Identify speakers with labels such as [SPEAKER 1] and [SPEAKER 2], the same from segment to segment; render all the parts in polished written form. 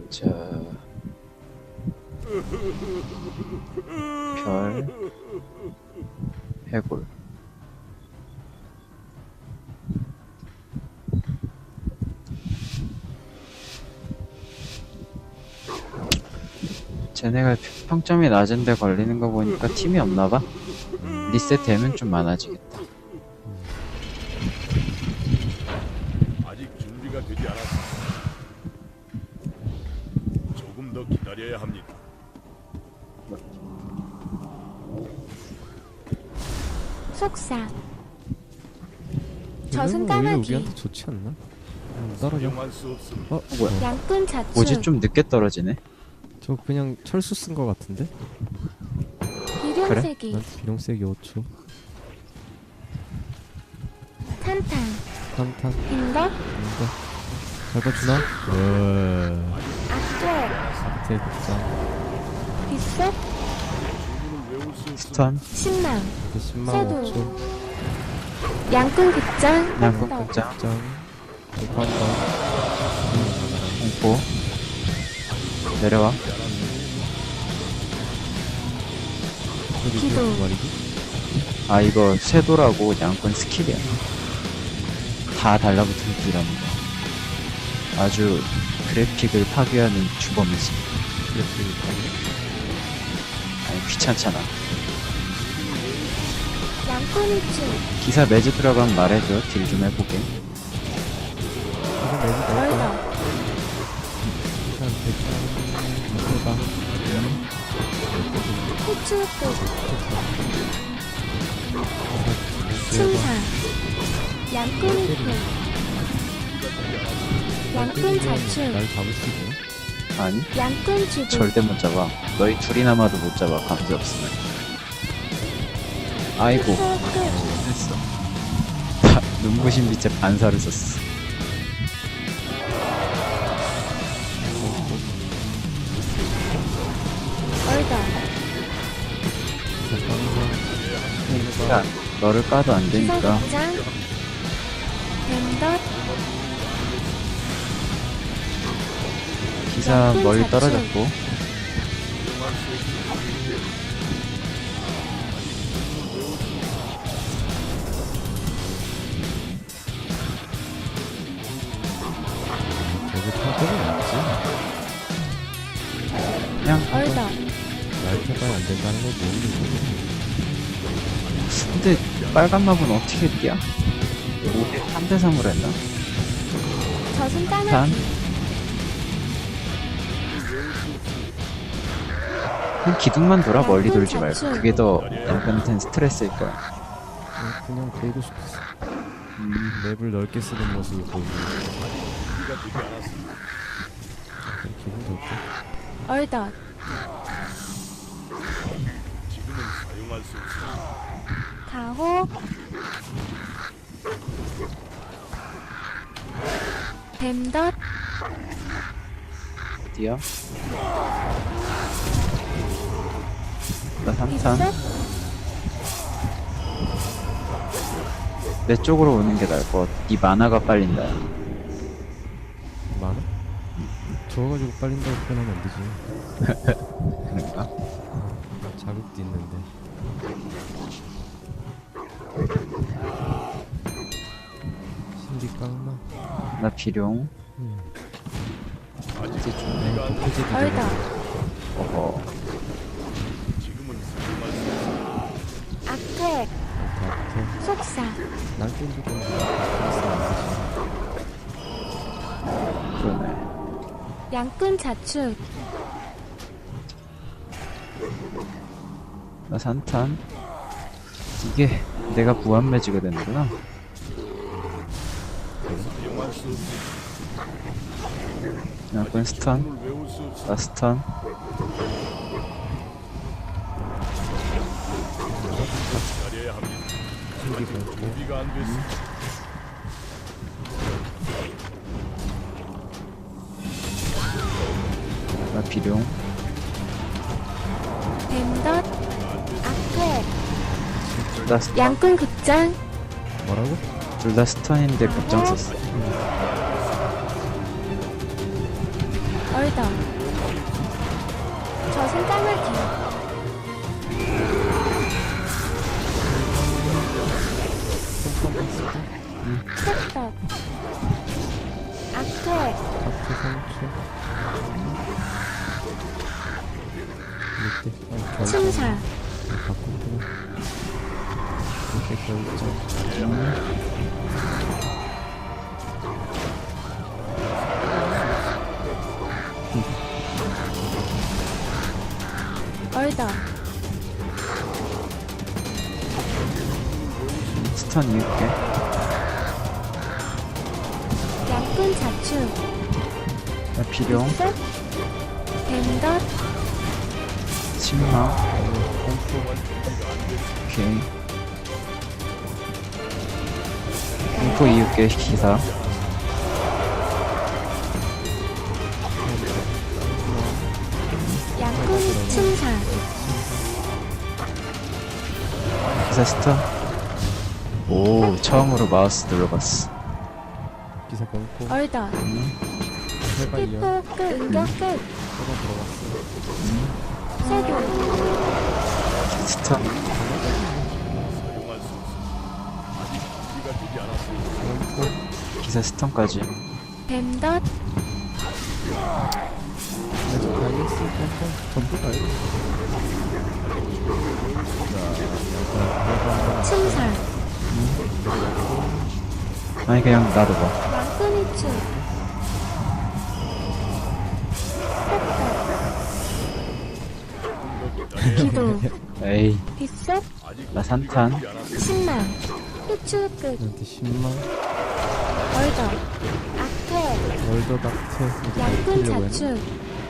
[SPEAKER 1] 자, 별, 해골. 쟤네가 평점이 낮은데 걸리는 거 보니까 팀이 없나봐? 리셋되면 좀 많아지겠다.
[SPEAKER 2] 아직 준비가 되지 않았습니다. 조금 더 기다려야 합니다.
[SPEAKER 3] 속사
[SPEAKER 4] 오히려
[SPEAKER 3] 저승까마귀
[SPEAKER 4] 우리한테 좋지 않나? 떨어져.
[SPEAKER 2] 사용할 수 없습니다.
[SPEAKER 1] 뭐야?
[SPEAKER 3] 양꾼 자축
[SPEAKER 1] 뭐지? 좀 늦게 떨어지네?
[SPEAKER 4] 저 그냥 철수 쓴 거 같은데?
[SPEAKER 3] 비룡세기
[SPEAKER 4] 난 비룡세기 5초.
[SPEAKER 3] 탄탄
[SPEAKER 4] 탄탄.
[SPEAKER 3] 인덕
[SPEAKER 4] 인가. 잘 봐주나?
[SPEAKER 3] 악괴
[SPEAKER 4] 대극장.
[SPEAKER 3] 빗속
[SPEAKER 2] 주문을 외울 수 없습니다.
[SPEAKER 1] 스턴,
[SPEAKER 3] 신망
[SPEAKER 4] 10만
[SPEAKER 3] 쇠도.
[SPEAKER 4] 5초.
[SPEAKER 3] 양꾼 극장
[SPEAKER 1] 양꾼
[SPEAKER 3] 덕,
[SPEAKER 1] 극장,
[SPEAKER 4] 극장. 대판다.
[SPEAKER 1] 공포. 내려와.
[SPEAKER 3] 기도.
[SPEAKER 4] 말이지?
[SPEAKER 1] 아, 이거 쇄도라고 양꾼 스킬이야. 다 달라붙은 딜합니다. 아주 그래픽을 파괴하는 주범이지. 아니, 귀찮잖아.
[SPEAKER 3] 양꾼 일축
[SPEAKER 1] 기사 매주 들어가면 말해줘. 딜 좀 해보게.
[SPEAKER 4] 이거 매주 넣을까?
[SPEAKER 3] 얼덕
[SPEAKER 4] 일단 대충 해봐.
[SPEAKER 3] 후추끝 충사 양꾼 일축 양꾼 자축
[SPEAKER 4] 날 잡을 수 있나?
[SPEAKER 1] 아니,
[SPEAKER 3] 양꾼 주부
[SPEAKER 1] 절대 못 잡아. 너희 둘이 남아도 못 잡아. 감지 없으면. 아이고,
[SPEAKER 3] 후끝
[SPEAKER 1] 했어. 다 눈부신 빛에 반사를 썼어.
[SPEAKER 3] 얼덕
[SPEAKER 1] 야, 너를 까도 안
[SPEAKER 3] 기사
[SPEAKER 1] 되니까.
[SPEAKER 3] 극장 뱀덧
[SPEAKER 1] 기사 멀리 떨어졌고.
[SPEAKER 4] 저게 타격이 없지?
[SPEAKER 1] 그냥,
[SPEAKER 3] 얼덕
[SPEAKER 4] 날 타봐야 안 된다는 걸 모르겠어.
[SPEAKER 1] 근데 빨간 맵은 어떻게 뛰어? 3대 3으로 했나?
[SPEAKER 3] 저승까마귀
[SPEAKER 1] 단 그냥 기둥만 돌아. 멀리 돌지 말고. 그게 더 남편한테는 스트레스일 거야.
[SPEAKER 4] 그냥 돌고 싶었어. 맵을 넓게 쓰는 모습을 보이고
[SPEAKER 2] 준비가 되지 않았습니다.
[SPEAKER 4] 기분 좋고.
[SPEAKER 3] 얼덕
[SPEAKER 2] 지금은 사용할 수 없습니다.
[SPEAKER 3] 가호 뱀덧
[SPEAKER 1] 어디야? 나 3탄.
[SPEAKER 3] 빗속
[SPEAKER 1] 내 쪽으로 오는 게 나을 것 같아. 네 만화가 빨린다.
[SPEAKER 4] 많아? 죽어가지고 빨린다고 표현하면 안 되지.
[SPEAKER 1] 그런가?
[SPEAKER 4] 자극도 있는데. 신비 깡나?
[SPEAKER 1] 나 비룡.
[SPEAKER 2] 아직
[SPEAKER 1] 이제 좀
[SPEAKER 2] 준비가 안
[SPEAKER 4] 표지
[SPEAKER 3] 얼덕
[SPEAKER 1] 어허.
[SPEAKER 2] 지금은 사용할 수 없습니다.
[SPEAKER 3] 악퇴
[SPEAKER 4] 다트.
[SPEAKER 3] 속사
[SPEAKER 4] 날 땡기고
[SPEAKER 1] 그러네.
[SPEAKER 3] 양꾼 자축
[SPEAKER 1] 나 3탄. 이게 내가 무한 매지가 되는구나.
[SPEAKER 2] 사용할 수 없습니다.
[SPEAKER 1] 양꾼 스턴.
[SPEAKER 2] 주문을 외울 수 없습니다.
[SPEAKER 1] 나 스턴.
[SPEAKER 2] 기다려야 합니다.
[SPEAKER 4] 신기고
[SPEAKER 2] 준비가 안 됐습니다.
[SPEAKER 1] 나 비룡.
[SPEAKER 3] 뱀덧 악퇴
[SPEAKER 1] 둘 다
[SPEAKER 3] 양꾼 극장
[SPEAKER 4] 뭐라고?
[SPEAKER 1] 둘 다 스턴인데 급장 썼어.
[SPEAKER 3] 얼더 저승 까마귀 셋떡 악퇴
[SPEAKER 4] 하트 3초. 이렇게
[SPEAKER 3] 침사
[SPEAKER 4] 바꾸구나. 이렇게 결정.
[SPEAKER 3] 얼더
[SPEAKER 1] 스턴 이을게.
[SPEAKER 3] 양꾼 자축
[SPEAKER 1] 나 비룡.
[SPEAKER 3] 셋 뱀덧
[SPEAKER 1] 침마. 오케이. 공포 이을게. 기사.
[SPEAKER 3] 양꾼 침사
[SPEAKER 1] 기사 스턴. 오, 처음으로 마우스 눌러봤어.
[SPEAKER 4] 기사 끊고.
[SPEAKER 3] 얼더
[SPEAKER 4] 해봐 이어.
[SPEAKER 3] 히포 끝 응격 끝
[SPEAKER 4] 서버 들어갔어.
[SPEAKER 3] 세교
[SPEAKER 1] 스턴.
[SPEAKER 2] 사용할 수 없습니다. 아직 준비가 되지 않았습니다.
[SPEAKER 1] 기사 스턴까지.
[SPEAKER 3] 뱀덧
[SPEAKER 4] 아직 다이어스 뻔뻔 전부 다이어스.
[SPEAKER 3] 침사
[SPEAKER 1] 아니, 그냥 놔둬봐.
[SPEAKER 3] 양꾼 이축 셋떡 기도
[SPEAKER 1] 에이,
[SPEAKER 3] 빗속
[SPEAKER 1] 나 산탄.
[SPEAKER 3] 신망 희추 끝
[SPEAKER 4] 나한테 10만.
[SPEAKER 3] 얼더 악퇴
[SPEAKER 4] 월드 닥트.
[SPEAKER 3] 양꾼 자축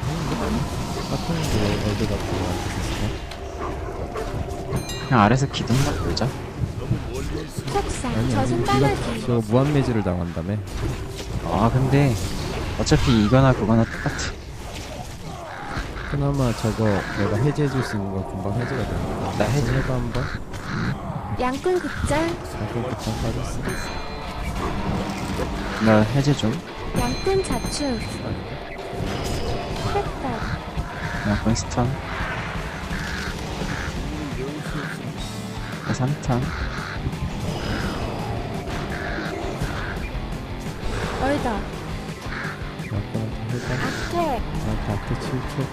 [SPEAKER 4] 사탕인데 월드 닥트 나한테 줬어.
[SPEAKER 1] 그냥 아래서 기둥만 돌자.
[SPEAKER 2] 너무 멀리 있습니다.
[SPEAKER 3] 속사
[SPEAKER 4] 아니
[SPEAKER 3] 저승
[SPEAKER 4] 네가
[SPEAKER 3] 까마귀
[SPEAKER 4] 저 무한 매질을 당한다며.
[SPEAKER 1] 아, 근데 어차피 이거나 그거나 똑같아.
[SPEAKER 4] 그나마 저거 내가 해제해줄 수 있는 거 금방 해제가 되니까.
[SPEAKER 1] 나 해제.
[SPEAKER 4] 해봐 한번.
[SPEAKER 3] 양꾼 극장
[SPEAKER 4] 자꾸 극장 빠졌어.
[SPEAKER 1] 나 해제 좀.
[SPEAKER 3] 양꾼 자축 셋떡
[SPEAKER 1] 양권 스턴. 나 산탄.
[SPEAKER 3] 얼더
[SPEAKER 4] 아빠한테 해봐.
[SPEAKER 3] 악퇴
[SPEAKER 4] 나한테 앞에 7초.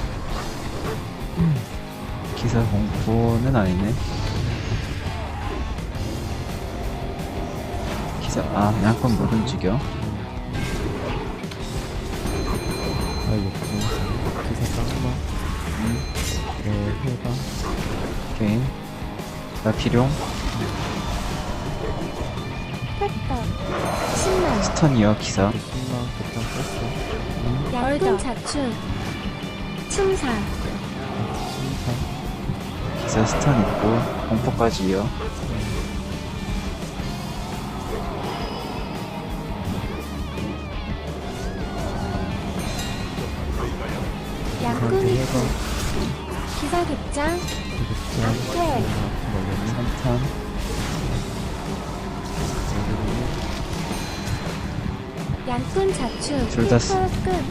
[SPEAKER 1] 기사 공포는 아니네. 기사, 아, 양권 못 움직여.
[SPEAKER 4] 아 욕구. 기사 깡마. 해봐.
[SPEAKER 1] 오케이. 나 비룡.
[SPEAKER 3] 셋떡 신망
[SPEAKER 1] 스턴이요, 기사.
[SPEAKER 4] 10만 극장 뺐어.
[SPEAKER 3] 양꾼 자축 침사
[SPEAKER 4] 심판.
[SPEAKER 1] 기사 스턴 있고, 공포까지요.
[SPEAKER 3] 양꾼
[SPEAKER 4] 나한테
[SPEAKER 3] 이축
[SPEAKER 4] 해봐.
[SPEAKER 3] 기사 극장
[SPEAKER 4] 극장.
[SPEAKER 3] 악퇴
[SPEAKER 4] 먹였니?
[SPEAKER 1] 산탄.
[SPEAKER 3] 양꾼 자축
[SPEAKER 1] 둘다
[SPEAKER 3] 히포 끝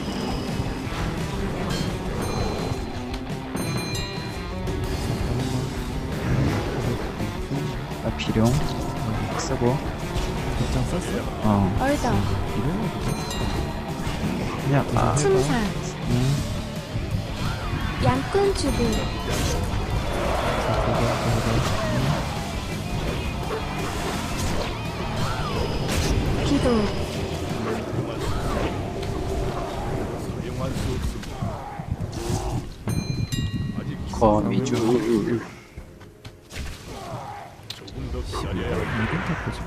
[SPEAKER 1] 나 비룡. 쓰고.
[SPEAKER 4] 극장 썼어?
[SPEAKER 1] 어,
[SPEAKER 3] 얼더
[SPEAKER 4] 이름이
[SPEAKER 1] 그냥, 아,
[SPEAKER 3] 침사
[SPEAKER 1] 음.
[SPEAKER 3] 양꾼 주부 기도
[SPEAKER 2] 사용할 수 없습니다. 아직
[SPEAKER 1] 거미줄.
[SPEAKER 2] 조금 더 기다려야 합니다.
[SPEAKER 4] 이름 타코지.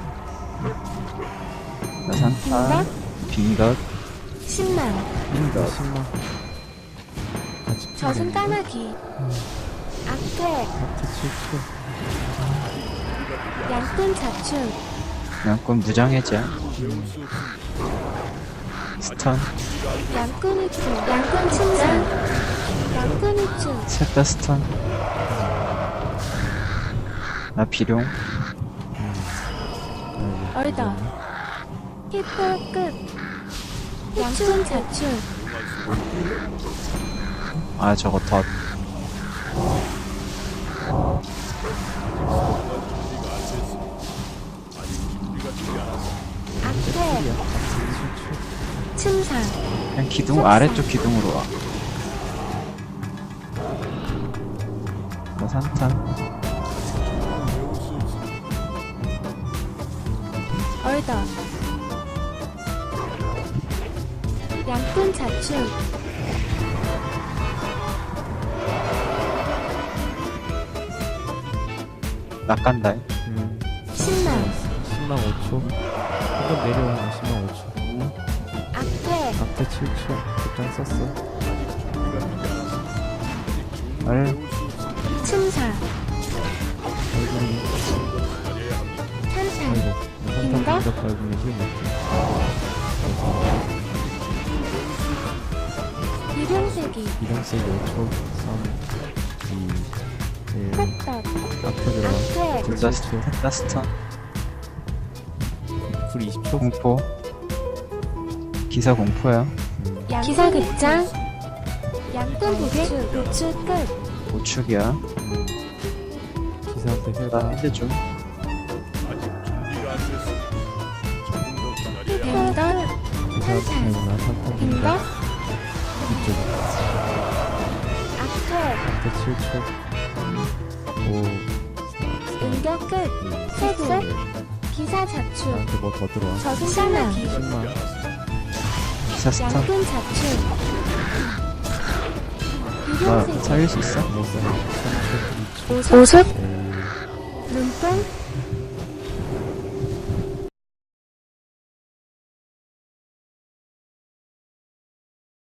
[SPEAKER 1] 나 산탄. 빙덧.
[SPEAKER 3] 신망
[SPEAKER 1] 빙덧.
[SPEAKER 4] 10만. 같이
[SPEAKER 3] 저승 까마귀 악퇴
[SPEAKER 4] 하트 7초.
[SPEAKER 3] 양꾼 자축
[SPEAKER 1] 양권 무장해제.
[SPEAKER 2] 배울 수 없습니다.
[SPEAKER 1] 스턴.
[SPEAKER 3] 양꾼 이축 양꾼 침상 양꾼 이축
[SPEAKER 1] 셋 다 스턴. 나 비룡.
[SPEAKER 3] 얼더 히포 끝 양꾼 자축
[SPEAKER 2] 사용할 수 없습니다.
[SPEAKER 1] 아 저거 덧.
[SPEAKER 2] 준비가 안 됐습니다. 아직 준비가 되지 않았습니다.
[SPEAKER 3] 악태 침상
[SPEAKER 1] 그냥 기둥 아래쪽 기둥으로 와. 나 산탄.
[SPEAKER 2] 배울 수 없습니다.
[SPEAKER 3] 얼더 양꾼 자축
[SPEAKER 1] 낚간다.
[SPEAKER 3] 10만
[SPEAKER 4] 10만 5초. 한번 내려와. 10만 5초.
[SPEAKER 3] 악태
[SPEAKER 4] 앞에 7초. 극장 썼어.
[SPEAKER 1] 얼.
[SPEAKER 2] 배울 수 없습니다.
[SPEAKER 3] 침사
[SPEAKER 4] 얼굴이.
[SPEAKER 3] 산산
[SPEAKER 4] 아이고.
[SPEAKER 3] 인가?
[SPEAKER 4] 산타 공격 밟으면 힘 못해.
[SPEAKER 3] 유령세기
[SPEAKER 4] 이동세기 5초. 3, 2, 1.
[SPEAKER 3] 컷떡
[SPEAKER 4] 앞에 들어와.
[SPEAKER 3] 악태
[SPEAKER 1] 둘다 스턴.
[SPEAKER 4] 불 20초.
[SPEAKER 1] 공포. 기사 공포야.
[SPEAKER 3] 기사극장 양꾼 보객 노출 끝
[SPEAKER 1] 우측이야.
[SPEAKER 4] 기사한테
[SPEAKER 1] 나
[SPEAKER 4] 해봐.
[SPEAKER 1] 핸드 좀.
[SPEAKER 2] 아직 준비가 안 됐습니다. 조금 더 기다려야 합니다.
[SPEAKER 3] 빙덕
[SPEAKER 4] 기사
[SPEAKER 3] 산산
[SPEAKER 4] 아니구나. 산타
[SPEAKER 3] 빙덕
[SPEAKER 4] 공격. 이쪽.
[SPEAKER 3] 악태
[SPEAKER 4] 앞에 7초. 5, 4,
[SPEAKER 3] 응격 끝 색색 기사 자축
[SPEAKER 4] 나한테 뭐 더 들어와.
[SPEAKER 3] 저승사나기
[SPEAKER 4] 10만.
[SPEAKER 1] 기사 스턴.
[SPEAKER 3] 양꾼 자축
[SPEAKER 1] 나
[SPEAKER 3] 유령세기
[SPEAKER 1] 살릴 수 있어?
[SPEAKER 4] 못 살아. 3초. 2초.
[SPEAKER 3] 오속
[SPEAKER 4] 1.
[SPEAKER 3] 눈뽕